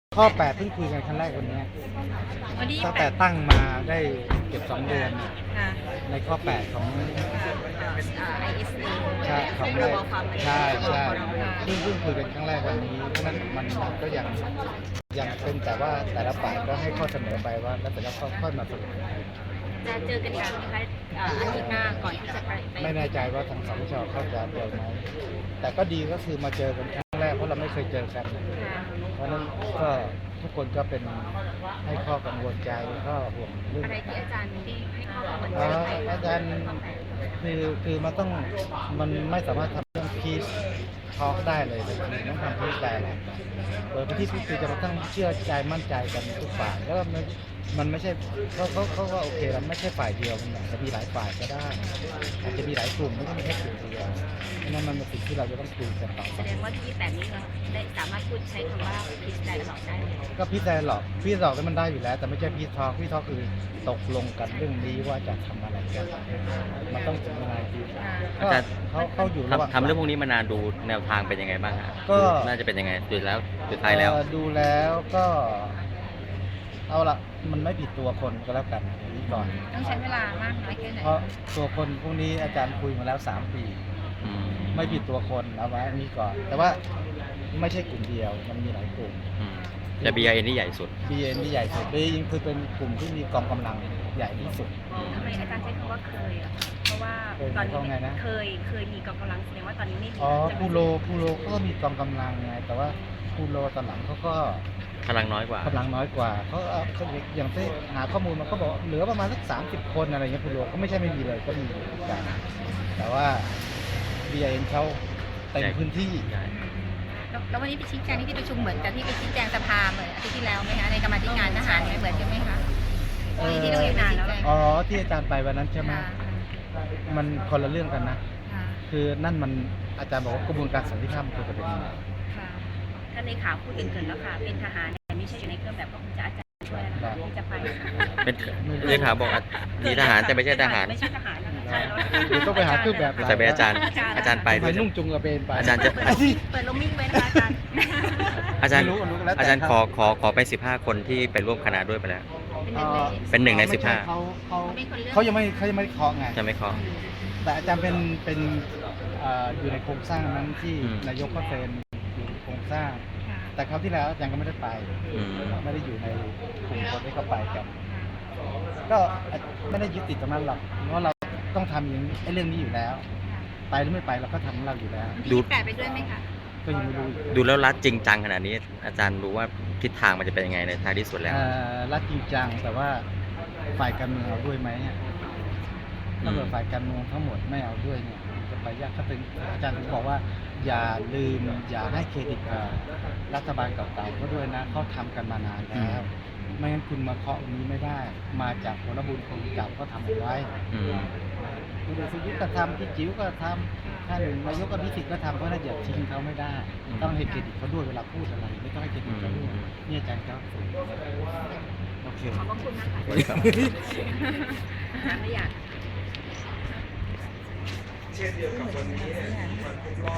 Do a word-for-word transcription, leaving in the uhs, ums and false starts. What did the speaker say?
ข้อแปดเพิ่งคุยกันครั้งแรกวันนี้วันที่ตั้งแปดแต่ตั้งมาได้เกือบสองเดือนค่ะในข้อแปดของไอเอสเอใช่ของพรบความมั่นคงใช่ใช่ค่ะเพิ่งเพิ่งคุยกันครั้งแรกวันนี้เพราะฉะนั้นมันมันก็ยังยังเป็นแต่ว่าแต่ละฝ่ายก็ให้ข้อเสนอไปว่าแล้วแต่ละข้อค่อยมาสรุปจะเจอกันอีกครั้งไหมคะเอ่ออาทิตย์หน้าก่อนที่จะไปไปไม่แน่ใจว่าทางสชเขาจะเจอไหมแต่ก็ดีก็คือมาเจอกันครั้งแรกเพราะเราไม่เคยเจอกันค่ะเพราะฉะนั้นก็ทุกคนก็เป็นให้ข้อกังวลใจก็ห่วงเรื่องอะไรที่อาจารย์ที่ให้ข้อกังวลอ๋ใจอไปอาจารย์คือคือมันต้องมันไม่สามารถทำเรื่องพีซทอล์กได้เลยเลยคือต้องทำพีซได้แหละเปิดพื้นที่พูดคุยจะมาต้องเชื่อใจมั่นใจกันทุกฝ่ายแล้วก็มันมันไม่ใช่เขาเขาเขาก็โอเคแล้วไม่ใช่ฝ่ายเดียวมันอาจจะมีหลายฝ่ายก็ได้อาจจะมีหลายกลุ่มไม่ใช่มีแค่กลุ่มเดียวเพราะฉะนั้นมันเป็นสิ่งที่เราจะต้องคุยกันต่อแสไปดงว่าที่แปดนี้เราได้สามารถพูดใช้คำว่าพิจารณาได้เลยก็พีซได้หรอกพีซหรอกแล้วมันได้อยู่แล้ว แต่ไม่ใช่พีซทอล์กพีซทอล์กคือตกลงกันเรื่องนี้ว่าจะทำอะไรกันมันต้องถึงอะไรพีซอาจารย์เขาเขาอยู่ระหว่างทำทำเรื่องพวกนี้มานานดูแนวทางเป็นยังไงบ้างฮะก็น่าจะเป็นยังไงสุดแล้วสุดท้ายแล้วเอ่อดูแล้วก็ เอาละมันไม่ผิดตัวคนก็แล้วกันอย่างนี้ก่อนต้องใช้เวลามากน้อยแค่ไหนเพราะตัวคนพวกนี้อาจารย์คุยมาแล้วสามปีอืมไม่ผิดตัวคนเอาไว้อันนี้ก่อน แต่ว่าไม่ใช่กลุ่มเดียวมันมีหลายกลุ่มอืมแต่ บี ไอ เอ็น ที่ใหญ่สุดบี เอ็น ที่ใหญ่สุด บี เอ็น คือเป็นกลุ่มที่มีกองกำลังใหญ่ที่สุดทำไมอาจารย์ใช้คำว่าเคยอะเพราะว่าตอนเคยหมายความไงนี้นะเคยเคยมีกองกำลังแสดงว่าตอนนี้ไม่มีอ๋อจะพูโรพูโรก็มีกองกำลังไงแต่ว่าพูโรตอนหลังเขาก็พลังน้อยกว่ากำลังน้อยกว่าเขาเอาเขาอย่างที่หาข้อมูลมันก็บอกเหลือประมาณสักสามสิบคนอะไรเงี้ยคุณดูก็ไม่ใช่ไม่มีเลยก็มีอยู่เหมือนกันแต่ว่า บี ไอ เอ็น เขาเต็มพื้นที่ใช่แล้วแล้ววันนี้ไปชี้แจงที่ที่ประชุมเหมือนกับที่ไปชี้แจงสภาเหมือนอาทิตย์ที่แล้วไหมคะในกรรมาธิการทหารเนี่ยเหมือนกันไหมคะเอ่อที่เราอยู่นานแล้วอ๋อที่อาจารย์ไปวันนั้นใช่ไหมค่ะมันคนละเรื่องกันนะค่ะคือนั่นมันอาจารย์บอกว่ากระบวนการสันติธรรมคือประเด็นนี้ค่ะท่านเลขาพูดเกินๆแล้วค่ะเป็นทหารแต่ไม่ใช่อยู่ในเครื่องแบบก็คงจะอาจารย์ช่วยนะคะที่จะไปเป็นเลขาบอกอ่ะมีทหารแต่ไม่ใช่ทหารไม่ใช่ทหารนะคะใช่แล้วเดี๋ยวต้องไปหาเครื่องแบบแต่เป็นอาจารย์ อาจารย์ไปไปด้วยนุ่งจุงกระเบนไปอาจารย์จะเปิดเปิดลมมิ่งไว้นะคะอาจารย์อาจารย์ไม่รู้รู้แล้วแต่อาจารย์ครับขอขอขอไปสิบห้าคนที่ไปร่วมคณะด้วยไปแล้วเป็นหนึ่งในเป็นหนึ่งในสิบห้าเขาเขาไม่คนเลือกเขายังไม่เขายังไม่เคาะไงจะไม่ขอแต่อาจารย์เป็นเป็นเอ่ออยู่ในโครงสร้างนั้นที่อืมนายกก็เซ็นอยู่ในโครงสร้างค่ะแต่คราวที่แล้วอาจารย์ก็ไม่ได้ไปอืมไม่ได้อยู่ในกลุ่มคนที่เขาไปกัน ก็ไม่ได้ยึดติดตรงนั้นหรอกเพราะเราต้องทำอย่างไอ้เรื่องนี้อยู่แล้ว ไปหรือไม่ไปเราก็ทำของเราอยู่แล้วดูแปดไปด้วยไหมคะก็ยังไม่รู้อีกดูแล้วรัดจริงจังขนาดนี้ อาจารย์รู้ว่าทิศทางมันจะเป็นยังไงในท้ายที่สุดแล้วเอ่อรัฐจริงจังแต่ว่าฝ่ายการเมืองเอาด้วยไหมอะถ้าเกิดฝ่ายการเมืองทั้งหมดไม่เอาด้วยเนี่ยจะไปยากก็ถึงอาจารย์ถึงบอกว่า อย่าลืมอย่าให้เครดิตกับรัฐบาลเก่าๆก็ด้วยนะเขาทำกันมานานแล้ว ไม่งั้นคุณมาเคาะอันนี้ไม่ได้ มาจากผลบุญคนเก่าก็ทำเอาไว้อืมคุณเดชยุทธก็ทำพี่จิ๋วก็ทำท่านนายกอภิสิทธิ์ก็ทำเพราะน่าจะทิ้งเขาไม่ได้ ต้องให้เครดิตเขาด้วยเวลาพูดอะไรไม่ต้องให้เครดิตเขาด้วยนี่อาจารย์ครับโอเคขอบพระคุณมากค่ะสวัสดีครับไม่อยาก